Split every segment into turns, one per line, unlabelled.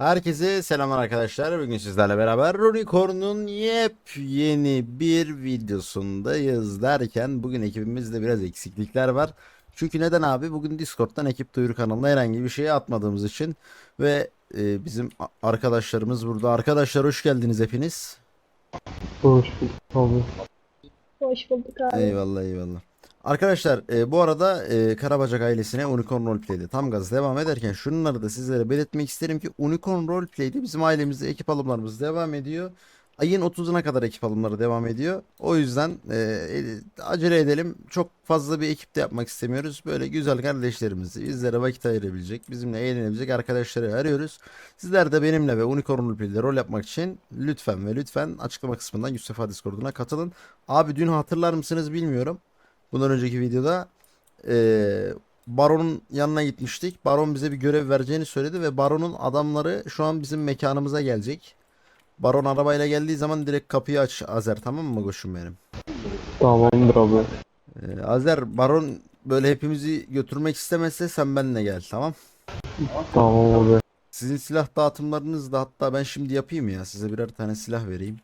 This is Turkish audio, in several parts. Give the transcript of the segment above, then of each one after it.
Herkese selamlar arkadaşlar. Bugün sizlerle beraber Unicorn'un yepyeni bir videosundayız derken bugün ekibimizde biraz eksiklikler var. Çünkü neden abi? Bugün Discord'dan ekip duyuru kanalına herhangi bir şey atmadığımız için ve bizim arkadaşlarımız burada. Arkadaşlar hoş geldiniz hepiniz.
Hoş bulduk abi.
Hoş bulduk abi.
Eyvallah eyvallah. Arkadaşlar bu arada Karabacak ailesine Unicorn Roleplay'de tam gaz devam ederken şunları da sizlere belirtmek isterim ki Unicorn Roleplay'de bizim ailemizde ekip alımlarımız devam ediyor. Ayın 30'una kadar ekip alımları devam ediyor. O yüzden acele edelim. Çok fazla bir ekip de yapmak istemiyoruz. Böyle güzel kardeşlerimizi bizlere vakit ayırabilecek, bizimle eğlenebilecek arkadaşları arıyoruz. Sizler de benimle ve Unicorn Roleplay'de rol yapmak için lütfen ve lütfen açıklama kısmından Yusuf Discord'una katılın. Abi dün hatırlar mısınız bilmiyorum. Bundan önceki videoda Baron'un yanına gitmiştik. Baron bize bir görev vereceğini söyledi ve Baron'un adamları şu an bizim mekanımıza gelecek. Baron arabayla geldiği zaman direkt kapıyı aç Azer, tamam mı koşum benim?
Tamamdır abi.
Azer, Baron böyle hepimizi götürmek istemezse sen benimle gel, tamam?
Tamam abi.
Sizin silah dağıtımlarınız da hatta ben şimdi yapayım ya, size birer tane silah vereyim.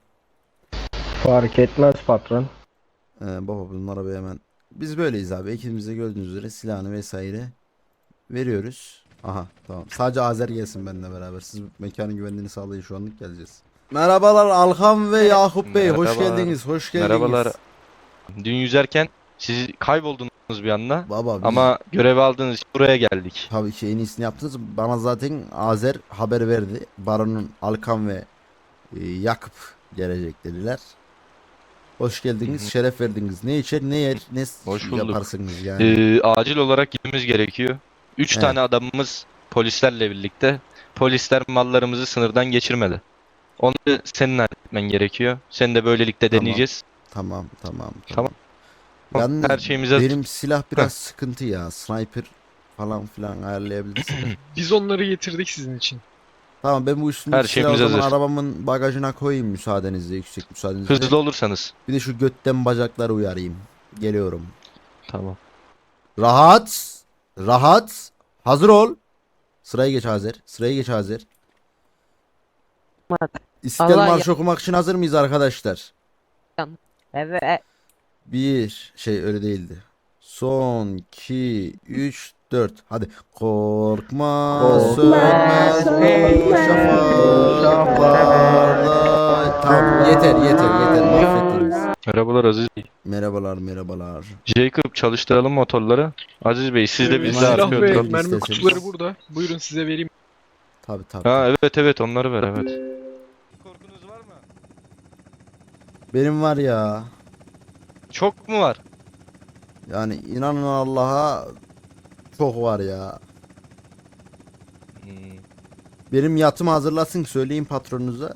Fark etmez patron.
Baba bunlara bir hemen. Biz böyleyiz abi. Ekibimizde gördüğünüz üzere silahını vesaire veriyoruz. Aha tamam. Sadece Azer gelsin benimle beraber. Siz mekanın güvenliğini sağlayın, şu anlık geleceğiz. Merhabalar Alhan ve Yakup Bey. Hoş
Merhabalar.
geldiniz. Hoş geldiniz.
Merhabalar. Dün yüzerken siz kayboldunuz bir anda.
Baba biz
Ama görevi aldığınız için buraya geldik.
tabii ki en iyisini yaptınız. Bana zaten Azer haber verdi. Baron'un Alkan ve Yakup gelecek dediler. Hoş geldiniz.
Hı hı.
Şeref verdiniz. Ne içer, ne yer, ne
Hoş bulduk.
yaparsınız yani.
Acil olarak gitmemiz gerekiyor. 3
Evet.
tane adamımız polislerle birlikte. Polisler mallarımızı sınırdan geçirmedi. Onu senin halletmen gerekiyor. Seni de böylelikle
Tamam.
deneyeceğiz.
Tamam tamam
Tamam.
Yalnız
Her şeyimiz hazır.
benim silah biraz sıkıntı ya. Sniper falan filan ayarlayabilirsin.
Biz onları getirdik sizin için.
Tamam, ben bu
Her
üstümdeki silahı o
şeyimiz
zaman
hazır.
arabamın bagajına koyayım müsaadenizle, yüksek müsaadenizle.
Hızlı olursanız.
Bir de şu götten bacakları uyarayım. Geliyorum.
Tamam.
Rahat. Rahat. Hazır ol. Sıraya geç Azer. Sıraya geç Azer. İstiklal
Allah
Marşı okumak için hazır mıyız arkadaşlar?
Evet.
Bir şey öyle değildi. Son 2 3 4 hadi. Korkma sönmez bu şafaklarda. Tamam, yeter mahvettiniz.
Merhabalar Aziz Bey.
Merhabalar merhabalar.
Jacob, çalıştıralım motorları. Aziz Bey siz de bizle
Silah
Silah
arkaya
ve
oturalım
oturalım.
mermi
isterseniz.
kutuları burada. Buyurun size vereyim.
Tabi.
Ha evet onları ver evet. Korkunuz var mı?
Benim var ya.
Çok mu var?
Yani inanın Allah'a çok var ya.
Hmm,
Benim yatımı hazırlasın, söyleyin patronunuza.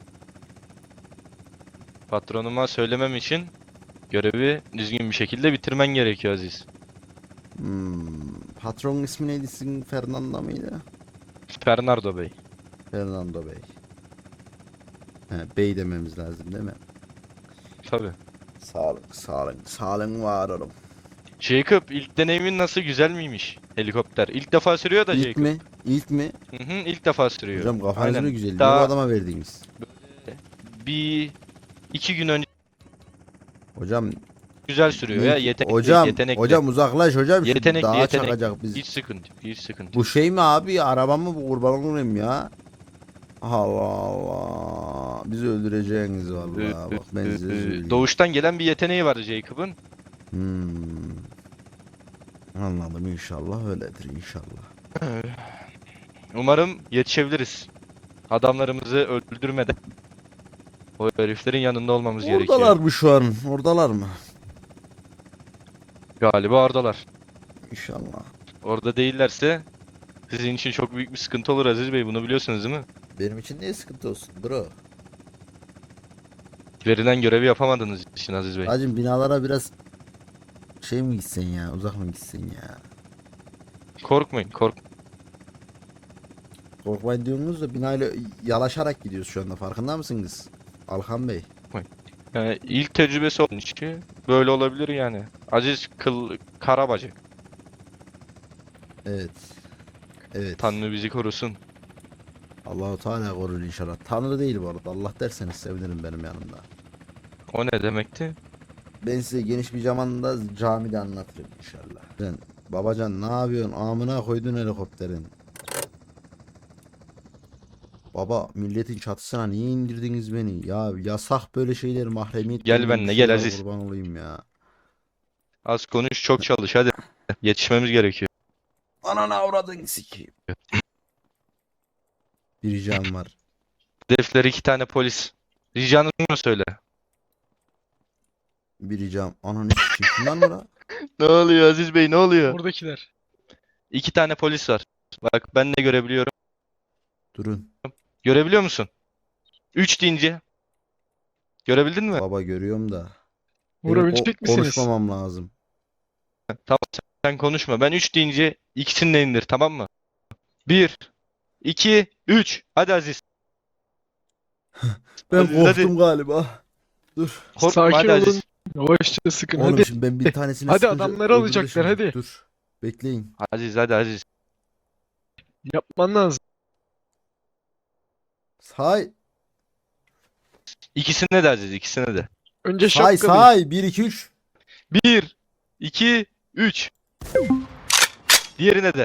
Patronuma söylemem için görevi düzgün bir şekilde bitirmen gerekiyor Aziz.
Patronun ismi neydi sizin, Fernando mıydı?
Fernando Bey.
Fernando Bey. He, bey dememiz lazım değil mi?
Tabii.
Sağ olun var olun.
Jacob, ilk deneyimin nasıl, güzel miymiş helikopter? İlk defa sürüyor da
İlk
Jacob.
mi? İlk mi?
Hı hı, ilk defa sürüyor.
Hocam kafanız
Aynen.
mı güzel? Niye bu
Daha
adama verdiniz?
bir iki gün önce
Hocam
güzel sürüyor ya, yetenekli,
hocam
yetenekli.
hocam uzaklaş hocam. Şu
Yetenekli,
dağa
yetenekli.
çakacak bizi.
Hiç sıkıntı, hiç sıkıntı.
Bu şey mi abi? Araba mı bu, kurban olayım ya? Allah Allah. Bizi öldüreceğiniz vallahi. Bak ben size söyleyeyim.
Doğuştan gelen bir yeteneği var Jacob'ın.
Hmm. Anladım, inşallah öyledir inşallah.
Umarım yetişebiliriz. Adamlarımızı öldürmeden. O heriflerin yanında olmamız gerekiyor.
Oradalar mı şu an? Oradalar mı?
Galiba oradalar.
İnşallah.
Orada değillerse sizin için çok büyük bir sıkıntı olur Aziz Bey. Bunu biliyorsunuz değil mi?
Benim için niye sıkıntı olsun bro?
Verilen görevi yapamadığınız için Aziz Bey.
Hacım binalara biraz şey mi gitsen ya? Uzak mı gitsen ya?
Korkmayın,
Korkmayın diyorsunuz da binayla yalaşarak gidiyoruz şu anda, farkında mısınız? Alhan Bey.
Yani ilk tecrübesi onun için böyle olabilir yani. Aziz Karabacak.
Evet. Evet.
Tanrı bizi korusun.
Allahu Teala korur inşallah. Tanrı değil bu arada. Allah derseniz sevinirim benim yanımda.
O ne demekti?
Ben size geniş bir zamanda camide anlatırım inşallah. Sen babacan ne yapıyorsun? Amına koydun helikopterin. Baba milletin çatısına niye indirdiniz beni? Ya yasak böyle şeyler, mahremiyet.
Gel
denilen
benimle,
bir
gel
şey var,
Aziz.
kurban olayım ya.
Az konuş, çok çalış hadi. Yetişmemiz gerekiyor.
Ananı avradın sikeyim. Bir ricam var.
Hedefleri 2 tane polis. Ricanı mı söyle?
Bir ricam. Ananı sikeyim. Şundan mı la?
Ne oluyor Aziz Bey, ne oluyor?
Buradakiler.
2 tane polis var. Bak ben de görebiliyorum.
Durun.
Görebiliyor musun? 3 deyince. Görebildin mi?
Baba görüyorum da. Benim
Vurabilecek misiniz?
konuşmamam lazım.
Tamam, sen konuşma. Ben 3 deyince ikisini de indir, tamam mı? 1, 2, 3. Hadi Aziz.
Ben
Aziz, hadi.
korktum galiba. Dur.
Korkma
Sakin
hadi
olun.
Aziz.
Yavaşça sıkın.
Oğlum
Hadi.
şimdi ben bir tanesini
Hadi
sıkınca
adamları
öbürü de
alacaklar,
şimdi.
hadi.
Dur. Bekleyin.
Aziz hadi Aziz.
Yapman lazım.
Say.
İkisine de Aziz, ikisine de.
Önce
Say
şapkalıyı.
say. 1 2 3.
1, 2, 3. Diğerine de.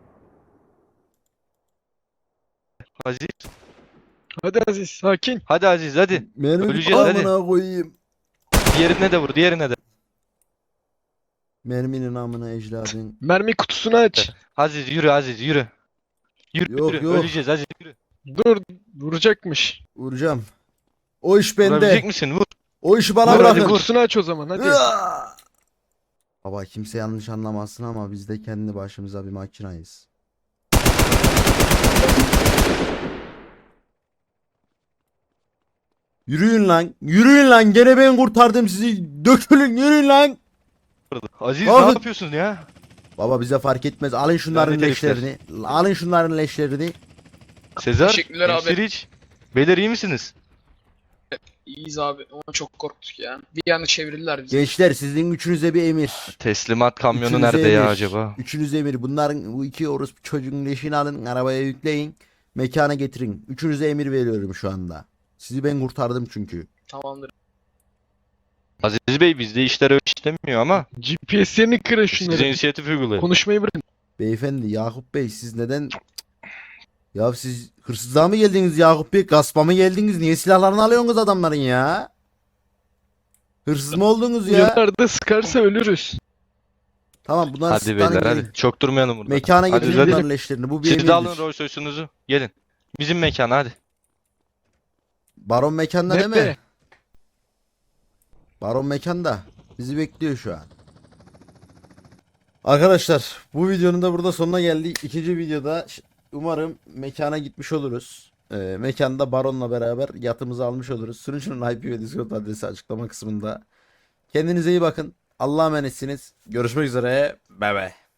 Aziz.
Hadi Aziz, sakin.
Hadi Aziz hadi.
Mermi
Öleceğiz, hadi.
amına koyayım.
Diğerine de vur, diğerine de.
Merminin amına ecladın.
Mermi kutusunu aç.
Aziz yürü Aziz yürü. Yürü
Yok,
yürü.
yok.
Öleceğiz Aziz yürü.
Dur, vuracakmış.
Vuracağım. O iş
Vurabilecek
bende.
misin? Vur.
O işi bana
Vur, hadi
bırakın.
vur.
Kutusunu aç o zaman, hadi.
Iıaa! Baba kimse yanlış anlamasın ama biz de kendi başımıza bir makinayız. Yürüyün lan. Yürüyün lan. Gene ben kurtardım sizi. Dökülün yürüyün lan.
Aziz
Kalkın.
ne yapıyorsun ya?
Baba bize fark etmez. Alın şunların
Lanet herifler.
leşlerini. Alın şunların leşlerini.
Sezer,
Teşekkürler abi.
Hemşeriç. Beyler iyi misiniz?
İyiyiz abi. Ona çok korktuk ya. Bir anda çevirdiler bizi.
Gençler sizin üçünüze bir emir.
Teslimat kamyonu
Üçünüze
nerede ya
emir.
acaba?
Üçünüze emir. Bunların bu iki orospu çocuğun leşini alın. Arabaya yükleyin. Mekana getirin. Üçünüze emir veriyorum şu anda. Sizi ben kurtardım çünkü.
Tamamdır.
Aziz Bey bizde işler öyle işlemiyor ama
GPS'lerini kırın
size
şunları.
inisiyatif uygulayın.
Konuşmayı bırakın.
Beyefendi Yakup Bey siz neden... Ya siz hırsızlığa mı geldiniz Yakup Bey? Gaspa mı geldiniz? Niye silahlarını alıyorsunuz adamların ya? Hırsız mı oldunuz ya?
Yanlarda sıkarsa ölürüz.
Tamam bunlar
Hadi beyler hadi. Çok durmayalım burada.
Mekana
Hadi,
getirin
hadi.
bunların leşlerini. Bu bir
Siz de alın
emirdir.
Rolls Royce'unuzu. Gelin. Bizim mekana hadi.
Baron mekanda değil mi?
Nerede?
Baron mekanda. Bizi bekliyor şu an. Arkadaşlar bu videonun da burada sonuna geldik. İkinci videoda umarım mekana gitmiş oluruz. Mekanda Baron'la beraber yatımızı almış oluruz. Sunucunun IP ve Discord adresi açıklama kısmında. Kendinize iyi bakın. Allah'a emanetsiniz. Görüşmek üzere. Bay bay.